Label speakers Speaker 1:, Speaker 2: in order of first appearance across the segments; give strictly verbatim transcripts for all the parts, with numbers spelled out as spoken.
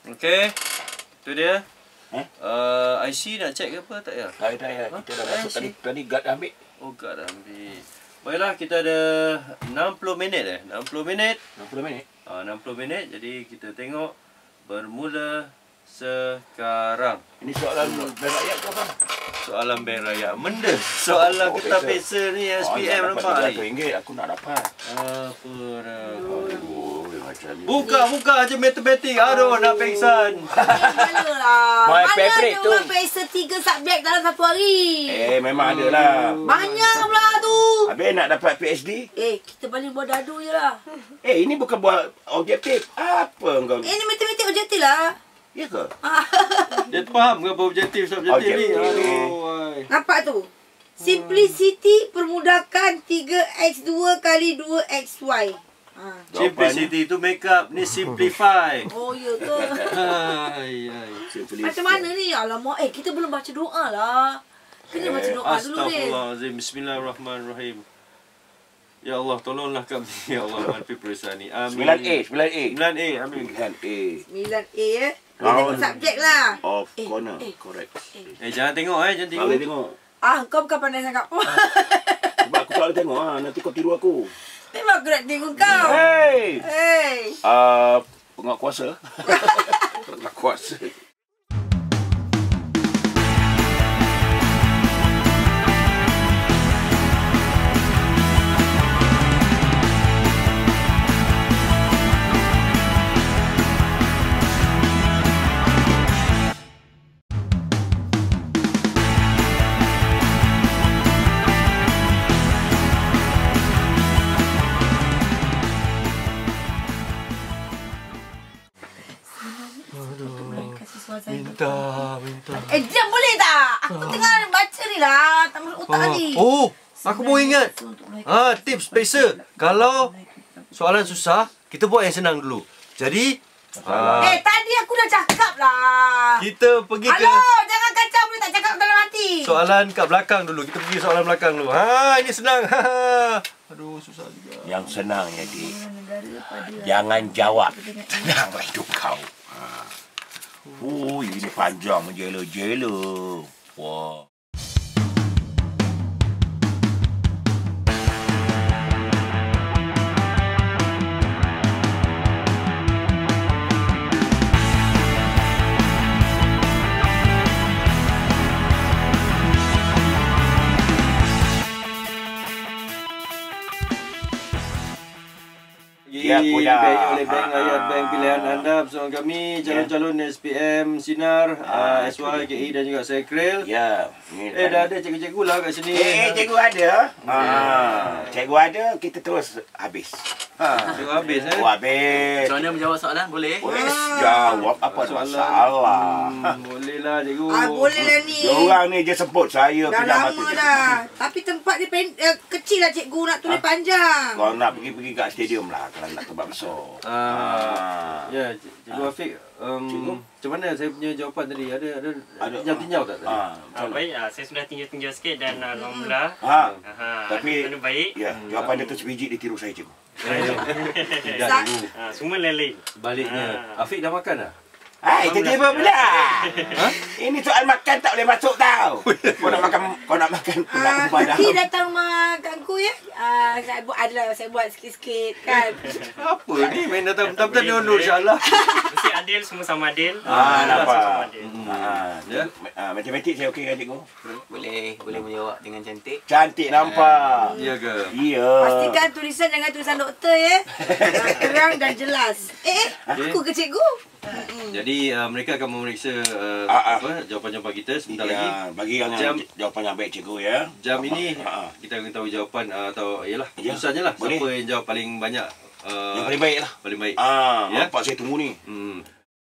Speaker 1: Okey. Tu dia.
Speaker 2: Eh?
Speaker 1: Uh, I C nak check ke apa tak ya?
Speaker 2: Tak ada ya. Kita dah masuk tadi. Tadi guard dah ambil.
Speaker 1: Oh, guard dah ambil. Baiklah, kita ada enam puluh minit eh. enam puluh minit.
Speaker 2: enam puluh minit.
Speaker 1: Uh, enam puluh minit. Jadi kita tengok bermula sekarang.
Speaker 2: Ini soalan bank rakyat ke apa?
Speaker 1: Soalan bank rakyat. Benda. Soalan oh, kertas peksa ni S P M oh, nampak ni.
Speaker 2: seratus ringgit aku nak dapat.
Speaker 1: Apa dah.
Speaker 2: Aduh, macam ni.
Speaker 1: Buka-buka je matematik. Aduh, nak pengsan.
Speaker 3: Mana lah.
Speaker 2: My
Speaker 3: Mana
Speaker 2: favorite
Speaker 3: ada
Speaker 2: tu.
Speaker 3: orang peksa tiga subjek dalam satu hari.
Speaker 2: Eh, memang ada lah.
Speaker 3: Banyak pula tu.
Speaker 2: Habis nak dapat P H D?
Speaker 3: Eh, kita paling buat dadu je lah.
Speaker 2: Eh, ini bukan buat objektif. Apa kau?
Speaker 3: Eh, ni matematik objektif lah.
Speaker 2: Ya ke?
Speaker 1: Dia faham ke apa objektif subjektif ni? Aduh.
Speaker 3: Nampak tu? Simplicity permudahkan tiga x dua kali dua x y. Ha.
Speaker 1: Simplicity tu make up. Ni simplify.
Speaker 3: Oh, ya ke?
Speaker 1: Hai, hai.
Speaker 3: Macam mana ni? Alamak, eh kita belum baca doa lah. Kena baca doa dulu ni.
Speaker 1: Astaghfirullahalazim. Bismillahirrahmanirrahim. Ya Allah, tolonglah kami. Ya Allah, menghadapi perusahaan ni. Amin.
Speaker 2: sembilan A, sembilan A.
Speaker 1: sembilan A, amin.
Speaker 2: sembilan A.
Speaker 3: sembilan A ya. Dia tengok subjek lah.
Speaker 2: Of
Speaker 3: Eh,
Speaker 2: corner.
Speaker 3: eh.
Speaker 2: Correct.
Speaker 1: Eh, jangan tengok eh. Jangan
Speaker 2: Tak
Speaker 1: tengok.
Speaker 2: boleh tengok.
Speaker 3: Ah, kau bukan pandai sangat pun.
Speaker 2: Sebab aku tak boleh tengok. Ha. Nanti kau tiru aku.
Speaker 3: Memang aku nak tengok kau.
Speaker 2: Hey!
Speaker 3: Hey.
Speaker 2: Uh, penguatkuasa. Penguatkuasa.
Speaker 1: Minta, minta.
Speaker 3: Eh, diam boleh tak? Aku tengah baca ni lah. Tak masuk otak tadi.
Speaker 1: Oh, aku baru ingat. Ah, tips peksa. Kalau soalan susah, kita buat yang senang dulu. Jadi, ah,
Speaker 3: Eh, tadi aku dah cakap lah.
Speaker 1: kita pergi ke
Speaker 3: Halo, jangan kacau boleh tak cakap dalam hati.
Speaker 1: soalan kat belakang dulu. Kita pergi soalan belakang dulu. Ha, ini senang. Ha. Aduh, susah juga.
Speaker 2: Yang senang ya, Dik. Jangan jawab. Tenanglah hidup kau. Ha. Oh, ini panjang menjela-jela. Wah. Ya,
Speaker 1: Dibaik oleh Bank Rakyat Bank pilihan anda bersama kami calon-calon S P M Sinar, uh, S Y, K I dan juga Sekril.
Speaker 2: Ya.
Speaker 1: Eh, dah ada cikgu-cikgu lah kat sini.
Speaker 2: Eh, cikgu ada. Ha. Cikgu ada, kita terus habis.
Speaker 1: Ha, cikgu habis eh.
Speaker 2: Oh, habis.
Speaker 4: Macam mana menjawab soalan? Boleh?
Speaker 2: Boleh jawab apa masalah.
Speaker 1: Hmm, boleh lah cikgu.
Speaker 3: Ah, boleh lah ni.
Speaker 2: Diorang ni je sebut saya
Speaker 3: Dah
Speaker 2: pinjam
Speaker 3: lama
Speaker 2: mata.
Speaker 3: dah. Tapi tempat dia pen, eh, kecil lah cikgu nak tulis ha? panjang.
Speaker 2: Kau nak pergi-pergi kat stadium lah kalau nak tempat besar.
Speaker 1: Ah, ya, cikgu Afiq. Um,
Speaker 2: Cikgu?
Speaker 1: Macam mana saya punya jawapan tadi? Ada ada,
Speaker 2: Ada,
Speaker 1: tinjau-tinjau tak tadi?
Speaker 2: Ha,
Speaker 5: Ah, baik, ah, saya sudah tinjau-tinjau sikit dan uh, alhamdulillah.
Speaker 2: ha.
Speaker 5: Aha,
Speaker 2: Tapi-
Speaker 5: ada baik.
Speaker 2: Ya, jawapan dia tu sebiji dia tiru saya cikgu.
Speaker 1: Tidak
Speaker 3: Sa-
Speaker 1: cikgu.
Speaker 5: Ah, semua lain-lain.
Speaker 1: Baliknya. Afiq dah makan dah?
Speaker 2: Hai, tiba-tiba pula. Ha? Ini soal makan tak boleh masuk tau. Kau nak makan, kau nak makan pula
Speaker 3: Ah,
Speaker 2: kumpul
Speaker 3: nanti
Speaker 2: dah.
Speaker 3: datang rumah kakku ya. Ah, saya buat adalah saya buat sikit-sikit kan.
Speaker 1: Apa ni? Main datang bentar-bentar ni undur insyaAllah.
Speaker 5: Mesti adil, semua sama adil.
Speaker 2: Ah,
Speaker 5: Semua
Speaker 2: nampak.
Speaker 5: sama adil.
Speaker 2: Ha,
Speaker 1: Ya.
Speaker 2: ha, matematik saya okey kan cikgu?
Speaker 4: Boleh, boleh menjawab dengan cantik.
Speaker 2: Cantik nampak.
Speaker 1: Ya ke?
Speaker 2: Iya.
Speaker 3: Pastikan tulisan jangan tulisan doktor ya. Ah, terang dan jelas. Eh, eh aku ke cikgu?
Speaker 1: Jadi uh, mereka akan memeriksa uh,
Speaker 2: Ah, ah.
Speaker 1: apa jawapan-jawapan kita sebentar
Speaker 2: Ya,
Speaker 1: lagi.
Speaker 2: bagi yang
Speaker 1: Jam-
Speaker 2: jawapan yang baik cikgu ya.
Speaker 1: Jam ini
Speaker 2: Ha, ha.
Speaker 1: kita akan tahu jawapan uh, atau iyalah
Speaker 2: Ya,
Speaker 1: susahnya lah
Speaker 2: boleh.
Speaker 1: siapa yang jawab paling banyak uh,
Speaker 2: Yang paling baik lah.
Speaker 1: paling baik.
Speaker 2: Ah,
Speaker 1: Ya.
Speaker 2: nampak saya tunggu ni.
Speaker 1: Hmm.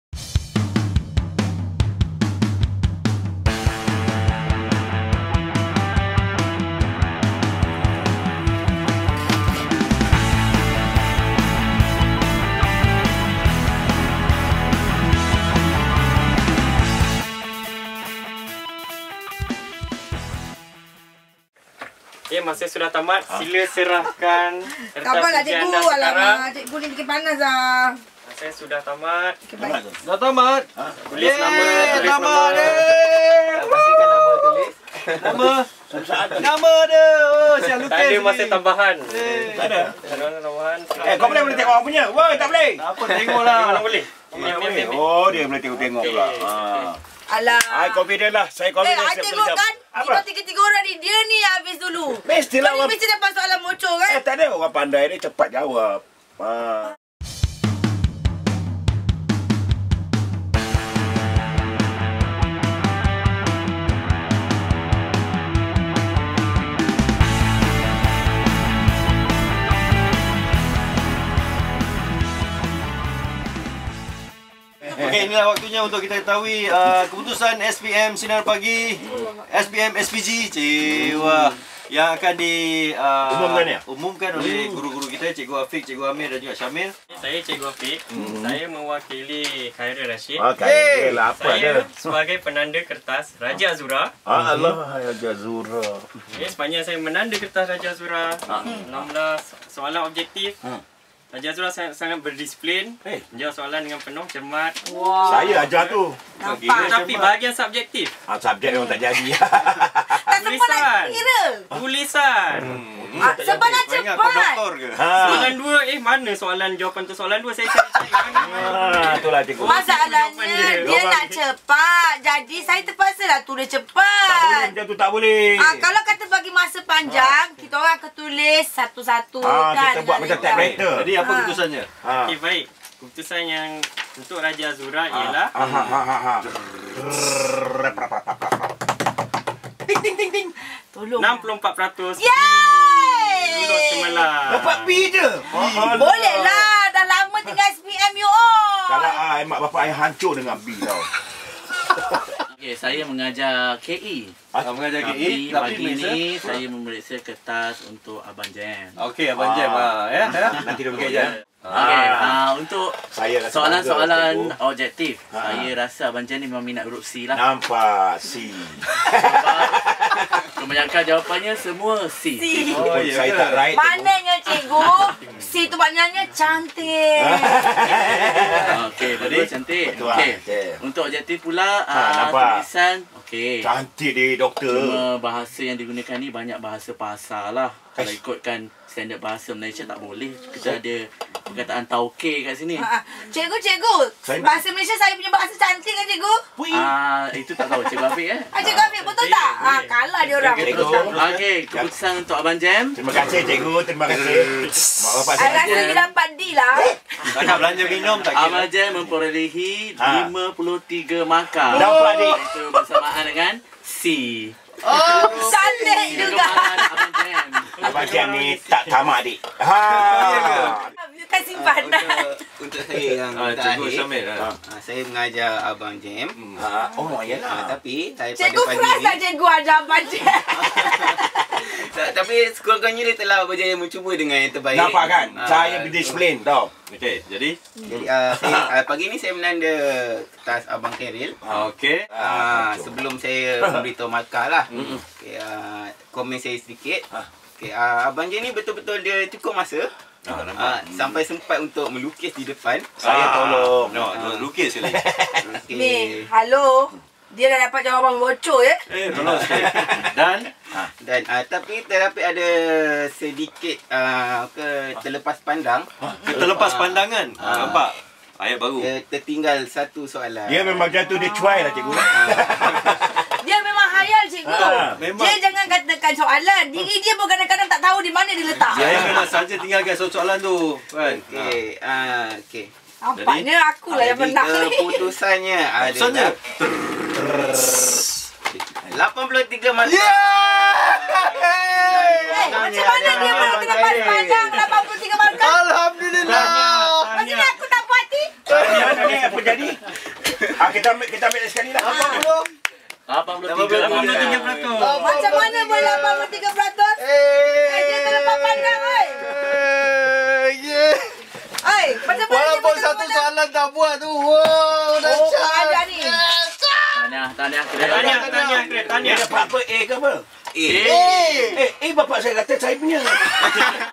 Speaker 5: Okay, masa sudah tamat, sila serahkan kertas
Speaker 3: Sabarlah
Speaker 5: ujian
Speaker 3: cikgu.
Speaker 5: anda sekarang.
Speaker 3: Alamak, cikgu ni bikin panas lah.
Speaker 5: Saya saya sudah tamat.
Speaker 3: Okay, baik.
Speaker 1: Dah tamat.
Speaker 5: Tulis nama, tulis
Speaker 1: tamat
Speaker 5: nama.
Speaker 1: dia.
Speaker 4: Pastikan nama tulis.
Speaker 1: Nama. Nama dia. Oh, siap lukis.
Speaker 5: Tak ada masa
Speaker 1: ni.
Speaker 5: tambahan.
Speaker 2: Tak ada.
Speaker 5: Tak ada tambahan.
Speaker 2: Eh, kau boleh boleh tengok orang punya. Woi, tak boleh.
Speaker 1: Tak apa, tengoklah.
Speaker 5: Mana boleh? Ambil, ambil, ambil, ambil.
Speaker 2: Oh, dia boleh tengok-tengok pula. Ha.
Speaker 3: Alah.
Speaker 2: I confident lah. Saya
Speaker 3: Eh,
Speaker 2: confident.
Speaker 3: I
Speaker 2: saya
Speaker 3: tengok
Speaker 2: boleh
Speaker 3: kan?
Speaker 2: jawab.
Speaker 3: Kita
Speaker 2: Apa?
Speaker 3: tiga-tiga orang ni, dia ni yang habis dulu.
Speaker 2: Mestilah
Speaker 3: Kau ni
Speaker 2: orang...
Speaker 3: mesti dapat soalan bocor kan?
Speaker 2: Eh, tak ada. Orang pandai ni cepat jawab. Ha.
Speaker 1: Okey, inilah waktunya untuk kita ketahui uh, keputusan S P M Sinar Pagi, S P M S P G, Cewa, yang akan di uh,
Speaker 2: Umumkan ya?
Speaker 1: umumkan oleh guru-guru kita, Cikgu Afiq, Cikgu Amir dan juga Syamil.
Speaker 5: Saya Cikgu Afiq. Saya mewakili Khairul Rashid.
Speaker 2: Okey, lah apa
Speaker 5: Saya
Speaker 2: dia?
Speaker 5: sebagai penanda kertas Raja Azura.
Speaker 2: Ah, Allah, ya Jazura.
Speaker 5: Okay, sepanjang saya menanda kertas Raja Azura, enam belas soalan objektif. Raja Azura sangat, sangat berdisiplin.
Speaker 2: Eh.
Speaker 5: Menjawab soalan dengan penuh cermat.
Speaker 3: Wah.
Speaker 2: Saya ajar tu.
Speaker 3: Nampak.
Speaker 5: Tapi bahagian subjektif.
Speaker 2: Ah, subjek memang tak jadi.
Speaker 3: Tak sempat
Speaker 5: Tulisan.
Speaker 3: nak kira.
Speaker 5: Tulisan.
Speaker 3: Ah, sebab nak
Speaker 1: Ingat kau
Speaker 3: cepat.
Speaker 1: doktor ke?
Speaker 2: Ha.
Speaker 5: Soalan dua, eh mana soalan jawapan tu soalan dua saya cari-cari mana.
Speaker 2: Ha, itulah cikgu.
Speaker 3: Masalahnya
Speaker 5: Jawapan
Speaker 3: dia
Speaker 2: dia.
Speaker 3: nak cepat. Jadi saya terpaksa lah tulis
Speaker 2: Tak boleh
Speaker 3: cepat.
Speaker 2: macam tu, tak boleh.
Speaker 3: Ah, kalau kata bagi masa panjang, kita orang akan tulis satu-satu.
Speaker 2: Ah,
Speaker 3: kan,
Speaker 2: kita buat
Speaker 3: dengan
Speaker 2: macam
Speaker 3: lebar.
Speaker 2: typewriter.
Speaker 1: Jadi apa
Speaker 3: Ha.
Speaker 1: keputusannya?
Speaker 2: Ha.
Speaker 5: Okey, baik. Keputusan yang untuk Raja Azura ialah
Speaker 2: Ha ha ha ha. ha.
Speaker 3: Ting, ting, ting, ting. Tolong.
Speaker 5: enam puluh empat peratus
Speaker 3: Yeay!
Speaker 5: duduk semalam.
Speaker 2: Dapat B je.
Speaker 3: Boleh lah. Dah lama tinggal S P M you all.
Speaker 2: Kalau ah, mak bapak saya hancur dengan B tau.
Speaker 6: Okey, saya mengajar K E.
Speaker 1: Ah, mengajar K E,
Speaker 6: Tapi
Speaker 1: tapi
Speaker 6: pagi
Speaker 1: Malaysia.
Speaker 6: ni saya memeriksa kertas untuk Abang Jam.
Speaker 1: Okey, Abang Jam ah, ya. ya.
Speaker 2: Nanti dia
Speaker 1: Okey,
Speaker 2: bekerja.
Speaker 1: Jam.
Speaker 6: Okey,
Speaker 2: Ah.
Speaker 6: uh, untuk
Speaker 2: Saya rasa
Speaker 6: soalan-soalan
Speaker 2: bangga, cikgu.
Speaker 6: objektif,
Speaker 2: Ah.
Speaker 6: saya rasa Abang Jam ni memang minat huruf C lah.
Speaker 2: Nampak C.
Speaker 6: Kebanyakan jawapannya semua C.
Speaker 3: C.
Speaker 1: Oh, ya
Speaker 2: Saya
Speaker 1: ke?
Speaker 2: tak right.
Speaker 3: Maknanya cikgu, si tu maknanya cantik.
Speaker 6: Okey, berdua cantik.
Speaker 2: Betul lah.
Speaker 6: Okey.
Speaker 2: Okey.
Speaker 6: Untuk objektif pula,
Speaker 2: Ha,
Speaker 6: uh,
Speaker 2: nampak.
Speaker 6: tulisan okey.
Speaker 2: Cantik dia doktor.
Speaker 6: Cuma bahasa yang digunakan ni banyak bahasa pasar lah. Kalau ikutkan standard bahasa Malaysia tak boleh. Kita ada perkataan tauke kat sini.
Speaker 3: Ah, ah. Cikgu, cikgu.
Speaker 2: Saya-
Speaker 3: Bahasa Malaysia saya punya bahasa cantik kan cikgu?
Speaker 6: Ah, itu tak tahu Cikgu Afiq eh.
Speaker 3: Ah, cikgu Afiq betul tak? Ah, kalah dia orang.
Speaker 2: Cikgu.
Speaker 6: Okey, keputusan untuk Abang Jam.
Speaker 2: Terima kasih cikgu, terima kasih. Mak bapak
Speaker 3: I
Speaker 2: saya.
Speaker 3: rasa dia dapat D lah.
Speaker 1: Tak nak belanja minum tak kira.
Speaker 6: Abang Jam memperolehi
Speaker 2: Ha.
Speaker 6: lima puluh tiga markah.
Speaker 2: Dapat dik.
Speaker 6: Itu bersamaan dengan C.
Speaker 3: Oh, cantik juga.
Speaker 6: Kegemaran Abang Jam.
Speaker 2: Abang Jam ni tak tamat dik. Ha.
Speaker 3: Bukan simpanan.
Speaker 4: Untuk, untuk saya yang
Speaker 1: Ah, Cikgu
Speaker 4: terakhir,
Speaker 1: Syamil. ah.
Speaker 4: ah, saya mengajar Abang Jam.
Speaker 2: Ha. Oh,
Speaker 4: Ah,
Speaker 2: yalah.
Speaker 4: tapi saya
Speaker 3: Cikgu
Speaker 4: pada
Speaker 3: keras
Speaker 4: pagi
Speaker 3: tak
Speaker 4: ni,
Speaker 3: cikgu ajar baca.
Speaker 4: tak, tapi sekurang-kurangnya dia telah berjaya mencuba dengan yang terbaik.
Speaker 2: Nampak kan?
Speaker 4: Ah,
Speaker 2: Saya berdisiplin tau.
Speaker 1: Okey, jadi
Speaker 4: Jadi uh, saya, uh, pagi ni saya menanda kertas Abang Khairil.
Speaker 1: okey.
Speaker 4: Ah, sebelum saya memberitahu markah lah. Okay, uh, komen saya sedikit. Okay, uh, Abang Jam ni betul-betul dia cukup masa.
Speaker 1: Ah, nampak.
Speaker 4: Ah, sampai sempat untuk melukis di depan.
Speaker 2: Saya tolong.
Speaker 1: No, no, lukis sekali.
Speaker 4: Okay.
Speaker 3: Ni, halo. Dia dah dapat jawapan bocor ya.
Speaker 1: Eh, tolong sikit. Dan
Speaker 4: Dan uh, tapi terdapat ada sedikit uh, ke terlepas pandang.
Speaker 1: terlepas pandangan.
Speaker 4: Ah.
Speaker 1: Nampak? Ayat baru.
Speaker 4: Dia tertinggal satu soalan.
Speaker 2: Dia memang macam tu, dia cuai lah cikgu.
Speaker 3: Dia memang hayal cikgu.
Speaker 2: Ah,
Speaker 1: memang.
Speaker 3: Dia jangan katakan soalan. Diri dia pun kadang-kadang tak tahu di mana dia letak.
Speaker 1: Saya memang saja tinggalkan soalan tu. Kan?
Speaker 4: Okey, ah okey.
Speaker 3: Nampaknya akulah yang
Speaker 4: Jadi
Speaker 3: menang ni.
Speaker 4: keputusannya
Speaker 1: Maksudnya
Speaker 4: adalah lapan puluh tiga markah.
Speaker 3: Eh, macam mana dia boleh terlepas pandang lapan puluh tiga markah?
Speaker 1: Alhamdulillah.
Speaker 3: Maksudnya aku tak puas hati.
Speaker 2: Mana ni apa jadi? Ah, kita ambil kita ambil sekali lah.
Speaker 6: lapan puluh tiga.
Speaker 5: lapan puluh tiga peratus.
Speaker 3: Macam mana boleh lapan puluh tiga peratus? Eh, dia terlepas pandang, oi. Oi, macam mana dia
Speaker 1: Walaupun
Speaker 3: boleh
Speaker 1: satu
Speaker 3: terlepas
Speaker 1: soalan tak buat tu. Wow, dah
Speaker 3: Oh, pengajar ni.
Speaker 6: Tahniah, tahniah.
Speaker 5: Tahniah, tahniah,
Speaker 2: Dia
Speaker 5: tahniah.
Speaker 2: dapat apa? A ke apa?
Speaker 4: Eh,
Speaker 2: Eh, eh bapak saya kata saya punya.